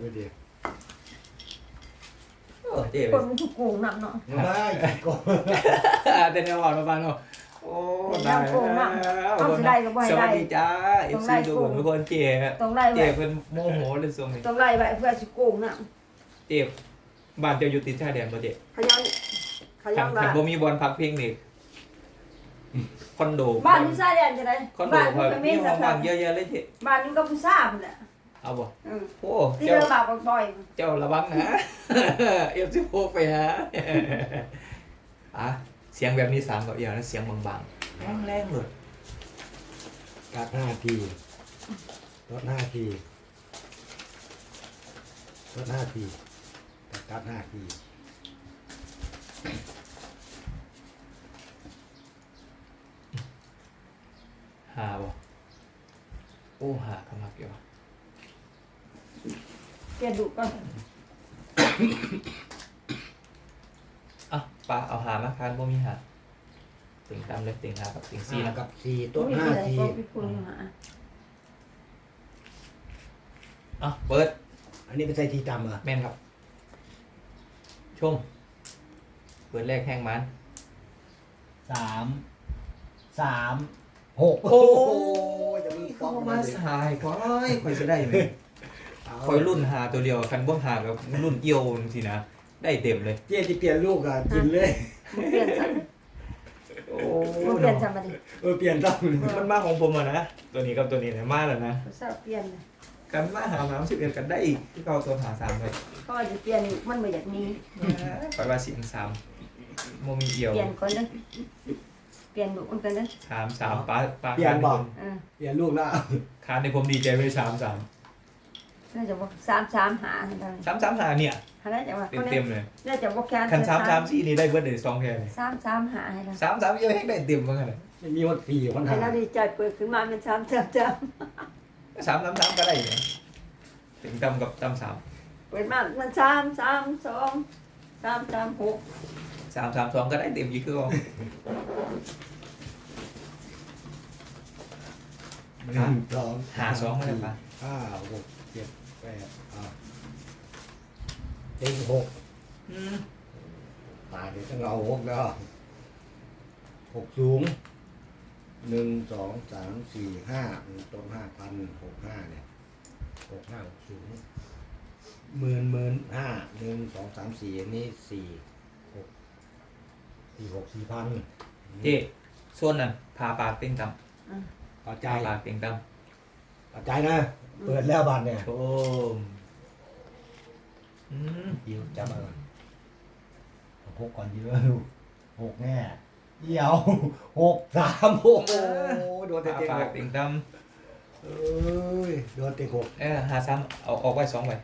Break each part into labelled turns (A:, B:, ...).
A: เดี๋ยว
B: โอ้เจ๊
C: คนมันถูกโกงหนักเนาะ
A: ได้ก็
B: แต่แนวอ่อนมาบ้างเนาะโอ้ได้สวัสดีจ้าเอฟซีทุกคนทุกคนเจ๊
C: ต้องไล่
B: เจ๊
C: ไว้
B: เป็นโมโหเลยทรงนี้
C: ต้องไล่ไว้เพื่อสิโกงหนัก
B: เจ๊บ้านเจ้าอยู่ติดชายแดนบ่เจ๊
C: ขยันขยัน
B: ขั
C: ว่าน
B: บ่มีบอลพักเพลงนี่คอนโด
C: บ้านอยู่ชายแดนจะได้
B: คอนโด
C: บ้านอ
B: พอยู่
C: กับเม
B: มี
C: น
B: ห้
C: สั
B: อก ง
C: ค
B: ว่าง
C: รั้ง
B: เยอะแยะเลยเจ๊
C: บ้านอยู่กับผู้ซ่าพุ่นแหละ
B: เอาบ่
C: อืม
B: โอ้
C: ที่
B: เจ้า
C: เรือบ่าวบ่อย
B: เจ้าระวังนะเอฟซีโฟไปฮะอ่ะเสียงแบบนี้3กับเอียวนะเสียงบางๆแรงๆเลย
A: กัด5 ทีลด5 ทีลด5 ทีกัด5 ที
B: หาบ่โอ้หากำลังอยู่
C: ๆเปลี่ยนดุก่อน
B: อ่ะปลาเอาหามาคานบ่มีหาติ่งตามเลยติ่งหากับติ่งซีนะ
A: กับ4ต้น
C: มีที่ไหน
A: 5 ที
C: ก็พี่คุณหา
B: อ่ะเปิด
A: อันนี้เป็นใส่ทีจำเหรอ
B: แม่นครับชมเปิดแรกแห้งมัน
A: 3 6โอ้ยจะมี
B: เข้ามาสายค่อยจะได้ไหมคอยรุ่นหาตัวเดียวคันบ่หากับรุ่นเอียวสินะได้เต็มเลย
A: เจ๊ที่เปลี่ยนลูกอ่ะกินเลย
C: มันเปลี่ยนจัง
B: โอ้
C: มันเปลี่ยนจังมาดิ
A: เปลี่ยนต้อง
B: มันมาของผมอ่ะนะตัวนี้กับตัวนี้เนี่ยมาแล้วนะ
C: ผู้ซ่าเปลี่ยนเลย
B: กันมาหา31กันได้อีกที่เขาตัวหา3เลย
C: ก็จะเปลี่ยนมันบ่อยากมี
B: ไปว่าเสียง3โมมีเอียว
C: เปลี่ยนก่อนเด้อเปลี่ยนดุมันกันเด้อ
B: 3ปลา
A: เปลี่ยนบอก
C: เออ
A: เปลี่ยนลูกแล้ว
B: คานในผมดีใจไป3
C: น่าจะบอก3 หาให้ได้
B: 3 หาเนี่ย
C: หาได้จะว่า
B: เต็มเลย
C: น่าจะบอกแค่
B: คัน3 4นี่ได้เบิดเลย2แค่เลย
C: 3 หาให้ได้
B: 3เอียวให้ได้เต็มเหมือนกันเลย
A: ไม่มีวัดฟรีคน
C: ให้
A: หา
C: เราดีใจเปิดขึ้นมาเป็น
B: 3ก็ได้อยู่นะถึงตำกับตำ
C: เปิดมามัน3 2 3 6
B: 3 2ก็ได้เต็มยี่คือเอา
A: 1 2
B: หา2ไม่ได้ปะ
A: 5 6 7 8เต็ง6ตายเดี๋ยวต้องเอา6แล้ว6สูง1 2 3 4 5ต้น5,000 65เนี่ย65 6สูงหมื่น5 1 2 3 4อันนี้4 6 4,000
B: เจ๊ส่วนนั้นพาปากเต็งต
A: พอ
B: ำ
A: ใจ
B: พาปากเต็งต
A: พอใจนะเปิดแล้วบัตรเนี่ย
B: ำชม
A: ยิวจับมาก่อนหกก่อนเยอะลูก6แน่เอี่ยว6 3โอ้โหโดนเตะ
B: พา
A: เตะ
B: ปาก
A: 6
B: เต็งต
A: เอ้ยโดนเตะ6
B: ำหา3เอาออกไว้2ใบ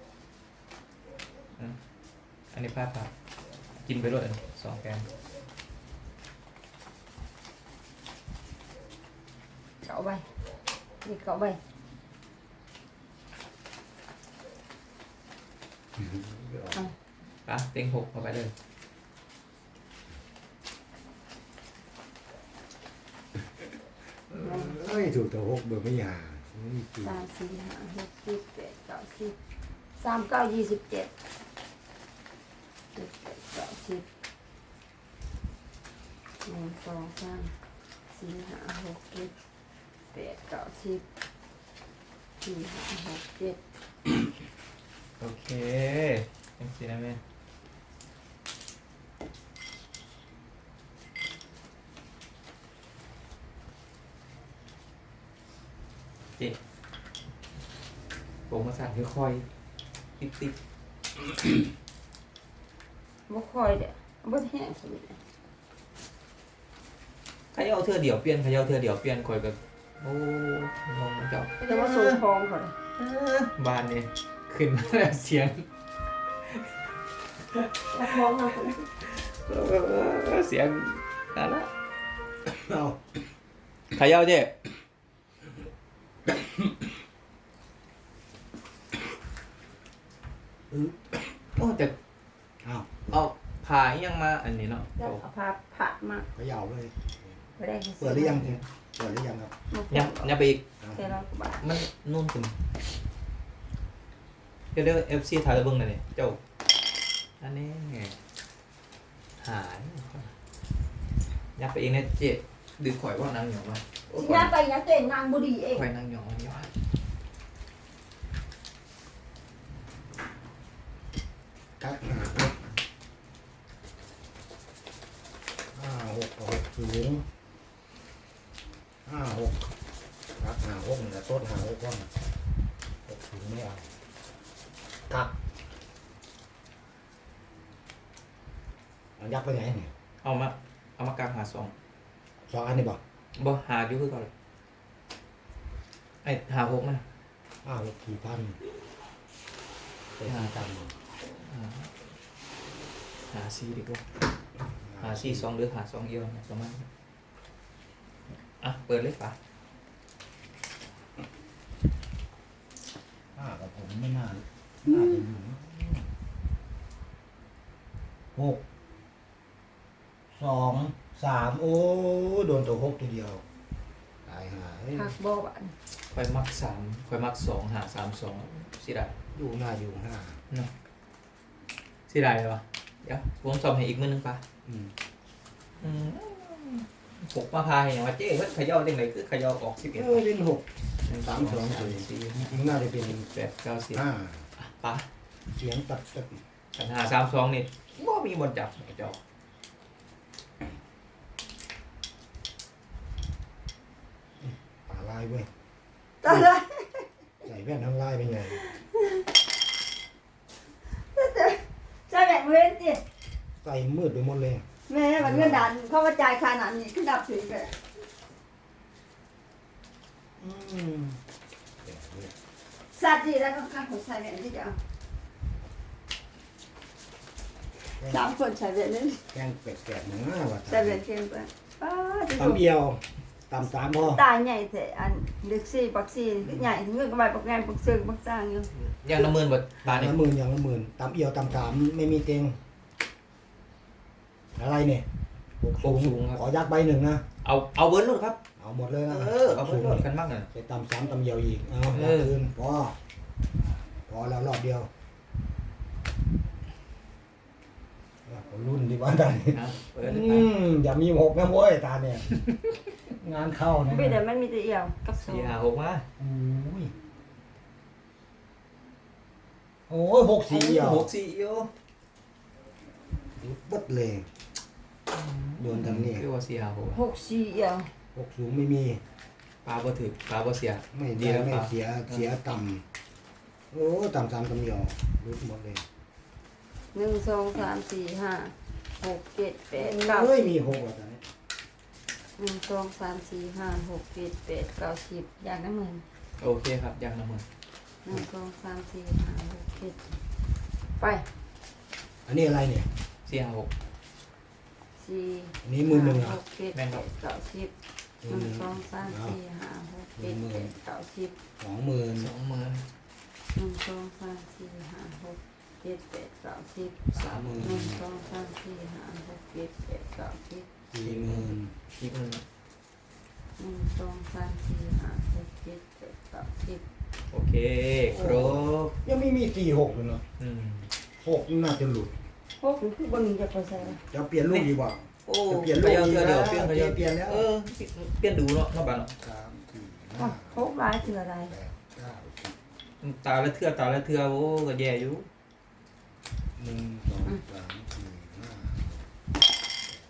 B: อันนี้พาปากกินไปด้วย2แกง
C: เก่าไปนี่เก่าไป
B: ปะเต็ง6เข้าไปเลย
A: เอ้ยถูกแต่6เบอร์ไม่หานี่สี่
C: 3 4 5 6 7 8 9 10 3 9 27 7 8 9 10 1 2 3 4 5 6 7 8 9 10 4 5 6 7
B: โอเคยังสินะแม่เจ๊โปรงมาสั่นค่อยๆติ๊บ
C: บ่ค่อยเด้อบ่แห้งสนิท
B: ๆขยเอาเธอเดี่ยวเปลี่ยนขยเอาเธอเดี่ยวเปลี่ยนคอยกับโอ้งงเจ้า
C: แต่ว่าสูงทองเขาเลย
B: บ้านนี่ขึ้นมาแล้วเสียง
C: ทองนะคุณ
B: เสียงนั่นละ
A: เอา
B: ขยเอาเจ๊โอ้แต่
A: เอา
B: เอาผ่ายังมาอันนี้เนาะ
C: แล้วเอาผ้าผัดมา
A: เขย่าเลย
C: ไปได้
A: เปิดหรือยังเนี่ยเปิดหรือยังครับ
B: ยังไปอีก
C: เท่าไหร่บาท
B: มันนุ่นขึ้นเดี๋ยวเอฟซีถ่ายระเบิงหน่อยนี่เจ้าอันนี้หายยับไปเองนะเจ๊ดึงข่อยว่านางหยองมาโอ้ย
C: สิงานไปยังเต้นนางบุรีเอง
B: ข่อยนางหยองมันย้อน
A: กักหาหกห้าหกหกสูงห้าหกกักหาหกแต่ต้นหาหกว่างหกสูงไม่เอากักเอายักษ์ไปไหนเนี่ย
B: เอามากลางหาสอง
A: สองอันนี่บอก
B: บ่หาอยู่คือเก่อนไอ้หาหกนะ
A: ห้าหกกี่พันเป็นสี่ตัน
B: หาซีดีกว่าหาซีสองหรือหาสองเอียวนะประมาณนั้นอ่ะเปิดเลยป่ะ
A: ห้ากับผมไม่น่าจะอยู่หกสองสามโอ้โดนตัวหกตัวเดียวตายหาย
C: หักบ่บาน
B: ค่อยมักสามค่อยมักสองหาสามสองสิได้
A: อยู่หน้าอยู่ห้า
B: เนาะสิได้เลยวะเดี๋ยวผมสอบให้อีกมื้อนึงป่ะ
A: อืม
B: หกมาพายอย่างว่าเจ๊เพิ่นเขย่าเด้งไหนคือเขย่าออก11
A: เล่นหก
B: หนึ่ง
A: สามสอง
B: สาม
A: สี่
B: สี่
A: จริงๆน่าจะเป็น
B: แปดเก้าสิบ
A: ห้า
B: อ่ะป่ะ
A: เสียงตัด
B: ปัญหาสามสองนี่บ่มีบนจับเจ้า
A: ป่าลายเว้ย
C: ตายแล้ว
A: ใส่แว่นทั้งลายเป็นไง
C: ใช่แบ่งเว้นดิ
A: ใส่มืดไปหมดเลย
C: แม่มันเงินดันเข้ามาจ่ายค่านั้นนี่ขึ้นดับถึงเลย
A: อืมแบบนี้
C: สัตว์ดีแล้วก็ค่าของใส่แบ่งที่จะเอาสามคนใส่แบ่งนี่
A: แกงเป็ดแกะหน้าว่ะ
C: ใส่แบ่งเค็มไปป้าจะ
A: ตำเอียวตำสามพ่อ
C: ตายใหญ่แต่อันลึกซี่ปักซี่ใหญ่เงินก็ไปปักแงนปักเซิงปักสร้างอยู่
B: อย่างละหมื่นบาทบาทนี่
A: ละหมื่นอย่างละหมื่นตำเอียวตำสามไม่มีเต็งอะไรเนี่ยหกสูงขอยักใบหนึ่งนะ
B: เอาเบิร์ดลูกครับ
A: เอาหมดเลยนะ
B: เอาเบิร์ดลูกกันมากเลย
A: ไปตำสามตำเอียวอีกเอา
B: เอ
A: ยัก
B: อ
A: คืนพอแล้วรอบเดียวรุ่นดีว่าตาเนี่ย
B: นะเปิดเลยครับ
A: อย่ามีหกนะเว้ยตาเนี่ย งานเข้านะ
C: ไม่แต่มันมีแต่เอี่ยวกับโซ่
B: สี่หาหกมา
A: โอ้ยโอ้ยหกสี่เอียว
B: หกสี่เอียว
A: ปึ๊ดเลยโดนทางนี้
B: เรียกว่าสี่หาหก
C: 6 4เอี่ยว
A: หกสูงไม่มี
B: ปลาบ่ถึกปลาบ่เสีย
A: ไม่
B: ดี
A: ได้
B: แล้ว
A: ไม่
B: ปลา
A: เสียต่ำโอ้ต่ำสามตำเดียวรุดหมดเลย
C: 1 2 3 4 5 6 7 8
A: เฮ้ย
C: 9
A: มีหกอ่ะตอนนี้
C: 1 2 3 4 5 6 7 8 9 10อย่างนั้นเหมือน
B: โอเคครับอย่างละหมื่น
C: 1 2 3 4 5 6 7ไป
A: อันนี้อะไรเนี่ย
B: สี่หาหก
C: 4
A: อันนี้มือหนึ่งอ่ะ
C: 6 7 8 9 10 1 2 3 4 5 6 7 8 9 10
A: 20,000
B: 20,000
C: 1 2 3 4 5 6 7 8 9 10
B: 30,000
C: 1 2 3 4 5 6 7 8 9 10
A: 40,000
B: อีกหนึ่ง
C: 1 2 3 4 5 6 7 8 9 10
B: โอเคครบ
A: ยังไม่มี46เลยเนาะ
B: อืม
A: 6นี่น่าจะหลุด
C: พวกคือบนจะไปใส่
A: จะเปลี่ยนลูกดีกว่า
B: โอ้
A: จะเปลี่ยนลูก
B: เดี๋ยว
A: ดี
B: เดี๋ยว
A: นะ
B: เปลี่ยนเดี๋ยว
A: เปลี่ยนแล้ว
B: เออเปลี่ยนดูเนาะบ้านเนาะ
A: 3 4
C: พวกร้ายคืออะไร
A: 5 8 9
B: ตาละเทื่อตาละเทื่อโอ้ก็แย่อยู่
A: 10 1 2 3 4 5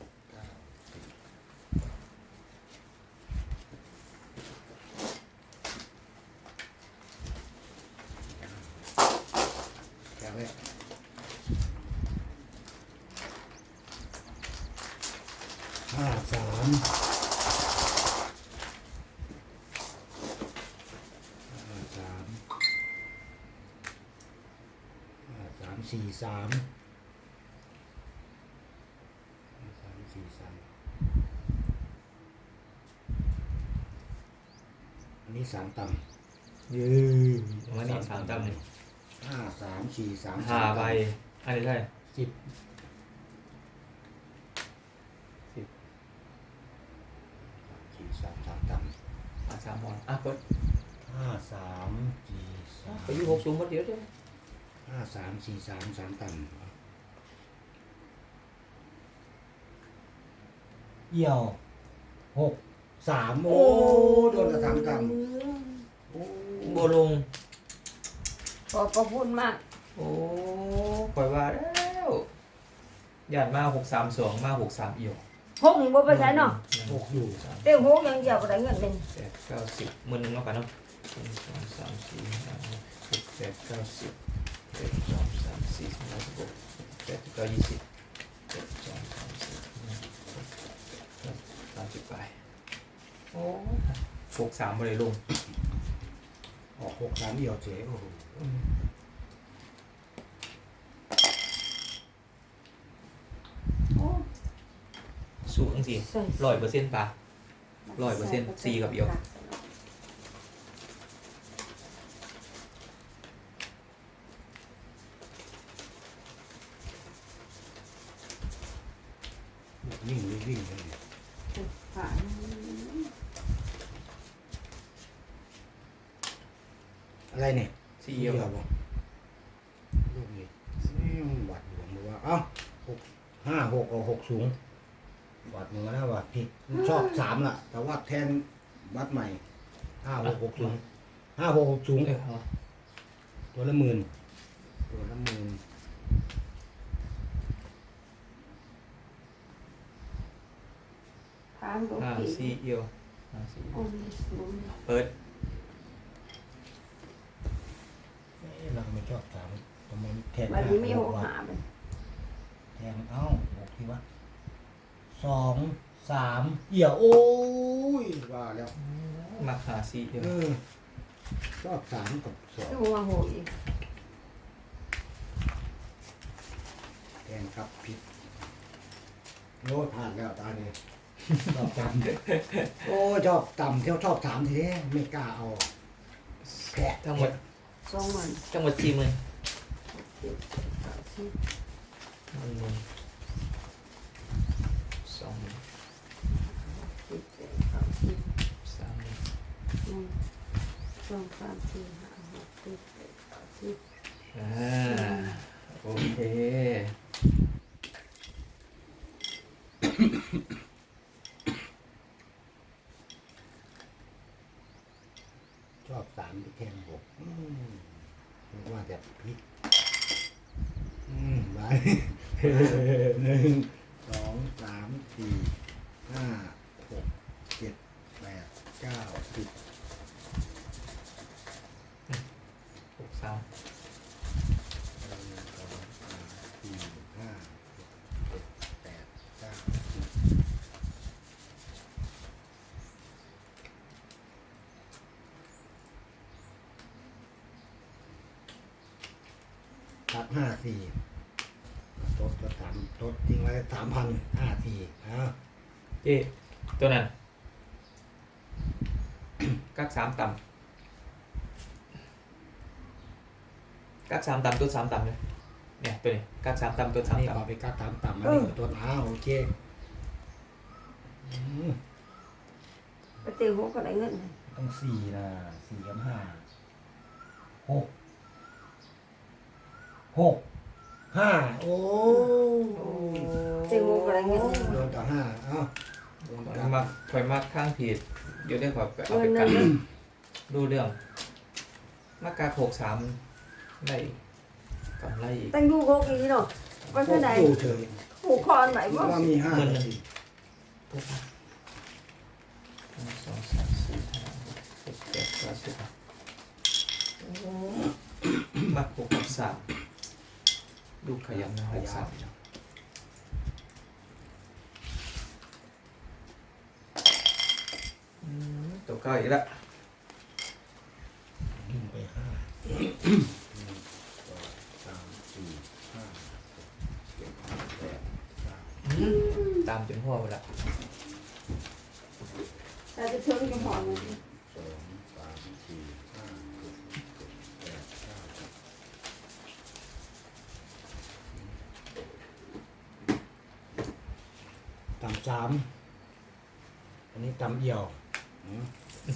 A: 9 10อย่างแรก53 53 อันนี้3ต่ำ
B: ยืมวันนี้สามตำเลย
A: 5 3 4 3
B: ห้าใบอันนี้ใช่
A: 10 4 3 3ต่ำ
B: สามบอลอ่ะกด
A: 5 3 4 3
B: ไปอยู่หกสูงก็เดี๋ยวเดี๋ยว
A: 5343 3ต่ำเอี่ยว63โอ้โดนกระทำต่ำโอ้
B: โบลง
C: ขอบพระคุณมาก
B: โอ้ข่อยว่าแล้วหยาดมา632มา63เอี่ยว
C: หกนี่บ่ไปใช้เนาะ
A: หกอยู่
C: เต็มหกอย่างเดียวก็ได้เงินเป็น
B: 8 9 10มื้อนึงแล้วกันเนาะ1 2 3 4 5 6 7 8 9 10 1 2 3 4 5 6 7 8 9 20 1 2 3 4 30ไปโอ้63บ่ได้ลง
A: ออก63เอี่ยวเจ๋โอ้โห
C: โอ้
B: สู้จังซี่
C: ใส่
B: 100%ป่ะ 100%สี่กับเอี่ยว
A: วิ่งวิ่งเลย
C: ผ่าน
A: อะไรเนี่ย
B: 4เอี่ยว
A: บ่ลูกนี่หวัดหลวงบอกว่าเอ้า6 5 6เอา6สูงหวัดมือนะว่าผิดชอบ3ล่ะ แต่ว่าแทนวัดใหม่5 6 6สูง5 6 6สูง
B: เอา
A: ตัวละหมื่นตัวละหมื่น
C: ผ่านก็
B: ห้า
C: ผิด
B: 4เอี่ยวห้าสี่
C: โอ้ยสูง
B: เปิด
A: เราไม่ชอบถามทำไมแทน
C: วันนี้ไม่หก
A: วัด
C: หามัน
A: แทนเอ้า6ที่ว่า2 3เอี่ยวโอ้ยว่าแล้ว
B: มาหา4เอี่ยว
A: ชอบ3กับ
C: ดูว่าโหอีก
A: 2แทนครับผิดโน้ตผ่านแล้วตาเนี่ยชอบต่ำโอ้ชอบต่ำเที่ยวชอบถามทีนี้ไม่กล้าเอาแผล
B: ทั้งหมด
C: สองวัน
B: ทั้งหมด40,000
C: เจ็ดแปดสิบ
B: สอง
C: สิบเจ็ดแปดสิบ
B: สาม
C: หนึ่งสองสามสี่ห้าหกเจ็ดแปดเก้าสิบ
B: โอเค
A: ชอบ3ไปแทน6ไม่ว่าแต่ผิดไป 1 2 3 4 5 6 7 8 9 10
B: 63
A: ตัด54ทดทิ้งไว้3,054
B: เจ๊ตัวนั้นกัก3ต่ำกัก3ต่ำตัว3ต่ำเลยเนี่ยตัวนี้กัก3ต่ำตัว
A: นี่
B: 3
A: พอ
B: ต่ำ
A: ไปกัดต่ำๆอันนี้ตัวโอเค
C: ไปเตีหกก็ได้เงิน
A: ต้อง4นะ4กับ5 6 5โอ้
C: เตีหกก็ได้เงิน
A: โดนต่อ5เอ้าโดนต่อ
B: มาข่อยมาข้างผิดเดี๋ยวได้ข่อยไปเอา
C: เงิ
B: ไป
C: น
B: กั
C: นั่
B: น
C: น
B: ดูเรื่องมากา63ได้กำไรอีก
C: ตั้งดูหกอีกเนาะว่าเท่าไหร่
A: ดูเฉย
C: หูคอนไหนบ่
A: ว่ามี5
B: หมื่นหนึ่ง
A: สิ
B: ปุ๊บ1 2 3 4 5 6 7 8 9 10มา6กับ3ดูขยันนะ6 3ตัวเก้าอีกแล้ว
A: ดึงไป5 1 2 3 4 5 6 7 8 9
B: ตามจนหัวไปละ
C: แต่จะเชิงจะหอมมัน
A: 2 3 4 5 6 7 8 9 10ต่ำ3อันนี้ต่ำเอี่ยว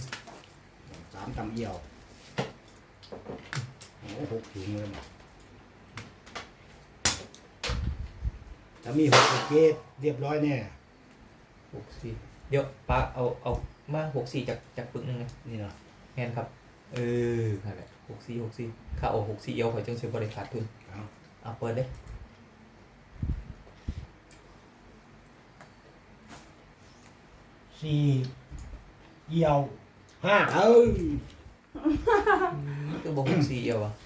A: 3ต่ำเอี่ยวโอ้6ถุงเลยถ้ามีหกเกตเรียบร้อยแน่
B: 64เดี๋ยวป้าเอามา64จากปึกหนึงไง
A: นี่เนาะ
B: แม่นครับนั่นแหละ64ข้าเอา64เอียวข่อยจังสิบ่ได้ขาดทุน
A: เอา
B: เอาเปิดเลย
A: สี่เอี่ยวห้าเอ้ย
B: คือบ่64เอียวอ่ะ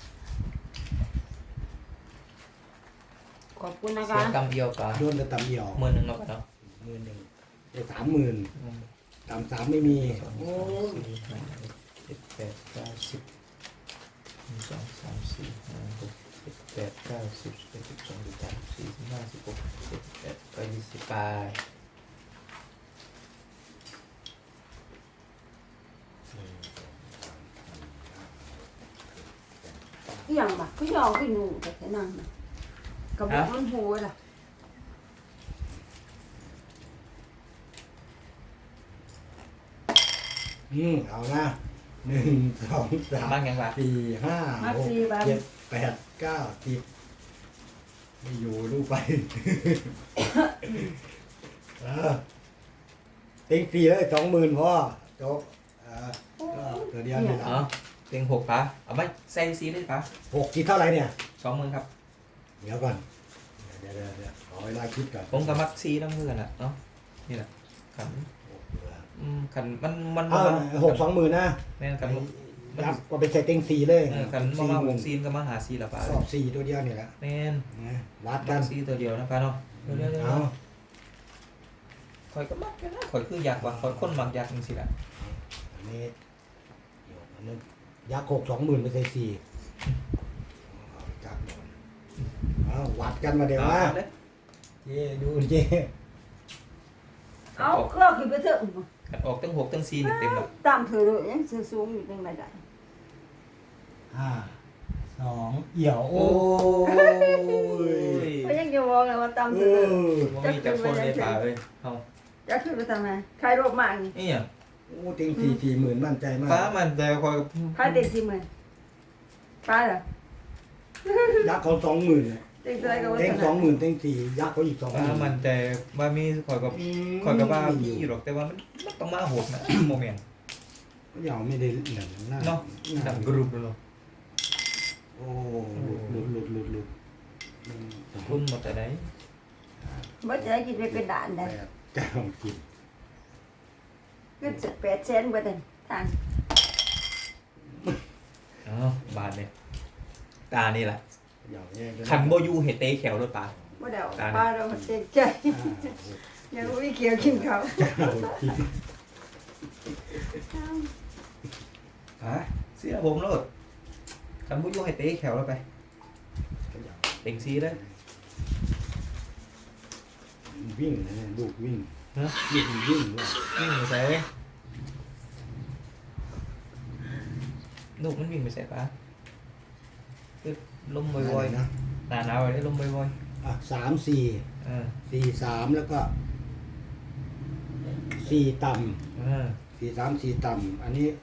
C: ขอบคุณนะ
B: เสี
C: คะ
B: ยกำเอียวป้า
A: โดนกระตำเอี่ยว
B: มื้อหนึงเนาะป้าเนาะ
A: 10,000ได้30,000ตำ3ไม่มี
B: สอง
A: โอ้
B: สามสี่ห้าหกเจ็ดแปดเก้าสิบหนึ่งสองสามสี่ห้าหกเจ็ดแปดเก้าสิบสิบเอ็ดสิบสองสิบสามสิบสี่สิบห้าสิบหกสิบเจ็ดสิบแปดก็20ไป
C: อีหยังบ่ก็ยอมขึ้นหนูแต่แค่นั้นน่ะกระบอกมันโหดอ่ะ
A: เอานะ1 2 3
B: บ้างยังวะ
A: 4 5 6 7 8 9 10ไม่อยู่ดูไป ติ๊กฟรีเลย20,000พ่อจบก็ตัวเดียวนี่แหละ
B: อ๋อเต็ง6ป้าเอาไหมใส่ซีได้ป้า
A: 6คิดเท่าไหร่เนี่ย
B: 20,000ครับ
A: เดี๋ยวก่อนเดี๋ยวขอเวลาคิดก่อน
B: ผมกับมักซีน้ำเงินอ่ะเนาะนี่แหละขัน ขันมัน
A: เอา6 20,000นะ
B: แม่นขัน
A: ยับก็ไปใส่เต็ง4เลย
B: ขันมา6ซีนก็มาหาซีละป้าร
A: อบ4ตัวเดียวนี่แหละ
B: แม่น
A: นะวัด
B: กั
A: กัน น
B: ซีตัวเดียวนะป้าเนาะเดี๋ยว
A: เอา
B: ข่อยก็มักกันนะข่อยคืออยากว่าข่อยคนมักอยากจริงๆแหละ
A: อันนี้เดี๋ยวอันนั้นยักษ์6 20,000ไปใส่4เอาจับหน่อยเอาวัดกันมาเดี๋ยวว่า
B: เลย
A: เจ๊ดูเจ๊
C: เอาเครื่องขึ้นไปเถอะ
B: ขันออกตั้ง6ตั้ง4นี่เต็มแล้ว
C: ตามเธอเลยยังสูงอยู่จังไดได้
A: 5 2เอี่ยวโอ้ย
C: ก็ยังจะบอกเลยว่าตามเธอเลย
B: บ่มีจักคนเลยป่าเอ้ยเฮา
C: จะขึ้นไปทำไมใครรบมากนี่
B: นี่หยัง
A: โอ้เต็ง40,000มั่นใจมาก
B: ป้ามันแต่ข่อย
C: ใครเด็ก40,000ป้าเหรอ
A: ยักษ์เขา20,000เนี่ย
C: เด็กอะไรก็ว่า
A: เต็ง
C: สน
A: 20,000เต็ง4ยักษ์เขาอีก
B: ป้ามัน
A: 20,000
B: แต่ว่ามีข่อยก็ว่ามีอยู่หรอกแต่ว่ามันต้องมาโหดนะโมเมนต์
A: ก็ยังไม่ได้เหลืองหน้า
B: เนาะดังกรุบเลย
A: โอ้หลุด
B: รุ่นหมดแต่ไหน
C: บ่จะได้กินไปเป็นด่านได้
A: แก้วกิน
C: ก็จะ8แสนกว่าเดินทาง
B: อ๋อบาทเนี่ยตานี่แหละ
A: อย่างนี้
B: คันโบยูเฮเต้แขวรถป้า
C: บ่ได้ป้าเราเต็มใจยังไม่เกี่ยวกินเขา
B: เสียผมรถคันโบยูเฮเต้แขวรถไปเต็งซีได้
A: วิ่งนะลูกวิ่ง
B: ฮะ
A: วิ่งด้วย
B: วิ่งไปใส่ลูกมันวิ่งไปใส่ป้าคือลมบ่อย
A: นะ
B: ๆหนาหนาวเลยลมบ่อย
A: 3 4 4 3แล้วก็4ต่ำ4 3 4ต่ำอันนี้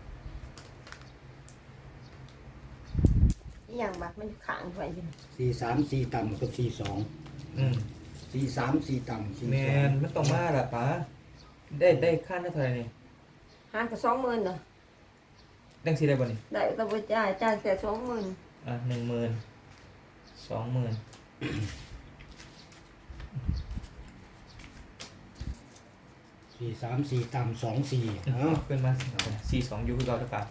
C: อีหยังบักมันขังไว้อยู่
A: 4 3 4ต่ำกับ4 2 4 3 4ต่ำ4
B: แมนมันต้องมาละป้าได้ค่าเท่าไหร่นี่
C: หารกับ20,000เนาะ
B: ดังซีได้บ่นี่
C: ได้ต้องไปจ่ายแค่20,000
B: 10,000 20,000
A: 4 3 4ต่ำ2 4เอ้า
B: ขึ้นมา42อยู่คือเก่าหรือเปล่า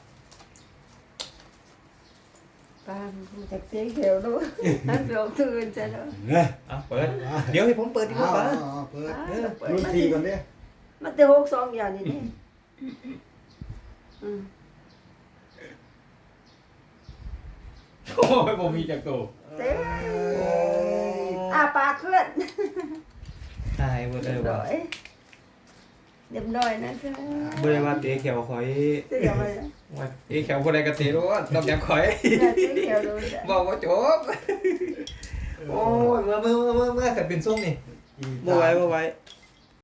C: ป้ามันจะเตี้ยเขียวด้วยนั่นเดี๋ยวตื่นจะเนาะ
A: เนี่ย
B: เปิดเดี๋ยวให้ผมเปิดดีกว่าป้า
A: เปิดรุ่น4ก่อนดิ
C: มันจะ62อย่างนี้นี่อืม
B: โอ้ยผมมีจากโต
C: เต้ปากเคลื่อน
B: ตายบ่ได้ว่า
C: เรียบร้อยนะจ๊ะ
B: บ่ได้ว่าเตะแขวข่อย
C: เดี๋ยวไปนะ
B: ว่าเตะแขวบ่ได้ก็เตะรถนอกจากข่อย
C: เดี๋ยวเต้เขียวดูจ้ะ
B: บอกว่าจบโอ้ยเมื่อกันเป็นส้มนี่บ่ไหว